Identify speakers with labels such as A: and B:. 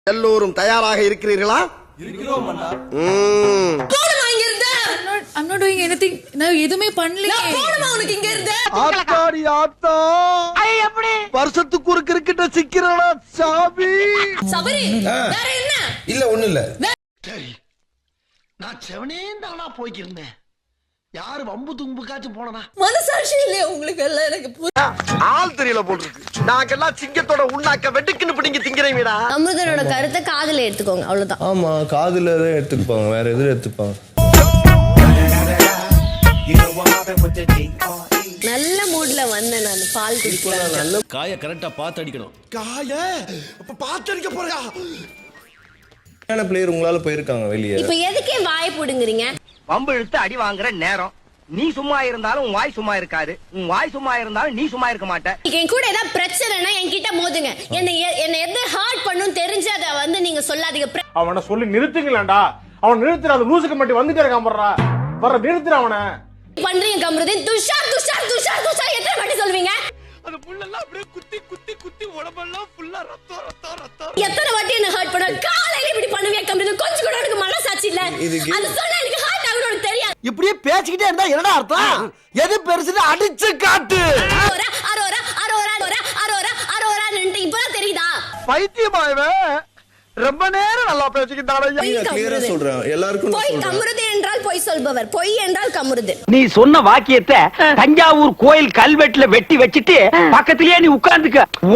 A: எல்லோரும் தயாராக இருக்கிறீர்களா?
B: இருக்கிறோம் அண்ணா.
C: I'm not doing anything. நான் எதுமே பண்ணல.
D: போடுமா உனக்கு இங்க இருந்து.
A: ஆத்தாடி ஆத்தா.
D: எப்படி?
A: வருஷத்துக்கு ஒரு கிரிக்கெட்ட சிக்கிறடா சாமி.
D: சபரி வேற என்ன?
B: இல்ல ஒண்ணு இல்ல.
A: சரி. நான் செவனேந்தானா போய்க்கிருந்தேன். யாரு வம்பு தும்புக்காச்சும் போனனா?
D: மனசாட்சி இல்லையா உங்களுக்கு எல்லாம் எனக்கு
A: ஆள் தெரியல போல் இருக்கு. நாங்கெல்லாம் சிங்கத்தோட உண்ணாக்க வெட்டுக்குன்னு பிடிங்க திங்கிறீங்கடா.
D: அமிர்தனோட கருத்தை காதுல எடுத்துக்கோங்க அவ்வளவுதான்.
E: ஆமா காதுல தான் எடுத்துப்பாங்க, வேற எதுவும் எடுத்துப்பாங்க.
D: நல்ல மூட்ல வந்தேன் நான் பால் குடிக்கலாம்.
E: நல்ல
F: காய கரெக்டா பார்த்து அடிக்கணும்.
A: காய அப்ப பாத்தடிக்க போறியா?
E: பிளேயர் உங்களால போயிருக்காங்க வெளியே.
D: இப்ப எதுக்கே வாயை புடுங்குறீங்க?
G: வம்பு இழுத்து அடி வாங்குற நேரம். நீ சும்மா இருந்தாலும் உன் வாய் சும்மா இருக்காது. உன் வாய் சும்மா இருந்தாலும் நீ சும்மா இருக்க மாட்ட.
D: என் கூட ஏதாவது பிரச்சனைனா என்கிட்ட மோதுங்க. என்ன எது ஹார்ட் பண்ணும் தெரிஞ்சு அதை வந்து நீங்க சொல்லாதீங்க.
H: அவனை சொல்லி நிறுத்துங்களேன்டா. அவன் நிறுத்துற அந்த லூசுக்கு மட்டும் வந்துட்டே இருக்கான் வர்ற நிறுத்துற அவனை
D: பண்றீங்க கமருதீன். துஷார் துஷார் துஷார் துஷார் எத்தனை வாட்டி சொல்வீங்க?
A: அந்த புல்லெல்லாம் அப்படியே குத்தி குத்தி குத்தி உடம்பெல்லாம் ஃபுல்லா ரத்தம் ரத்தம் ரத்தம்.
D: எத்தனை வாட்டி என்ன ஹர்ட் பண்ண? காலையில இப்படி பண்ணுவீங்க கமருதீன். கொஞ்சம் கூட எனக்கு மனசாட்சி இல்ல. அது சொன்னா எனக்கு ஹர்ட் ஆகும்னு உனக்கு தெரியாது.
A: இப்படியே பேசிக்கிட்டே இருந்தா என்னடா அர்த்தம்? எது பெருசுன்னு அடிச்சு காட்டு.
D: அரோரா அரோரா அரோரா அரோரா அரோரா அரோரா இப்பதான் தெரியுதா?
A: பைத்தியமா இவன். ரொம்ப நேரம் நல்லா பேசிக்கிட்டானே.
E: கிளியரா சொல்றேன் எல்லாருக்கும் நான்
D: பொய்
E: சொல்றேன்.
D: கமருதீன் என்றால் பொய் சொல்பவர். பொய் என்றால் கமருதீன்.
G: நீ சொன்ன வாக்கியத்தை தஞ்சாவூர் கோயில் கல்வெட்டுல வெட்டி வச்சிட்டு பக்கத்திலேயே நீ உட்கார்ந்துக்க.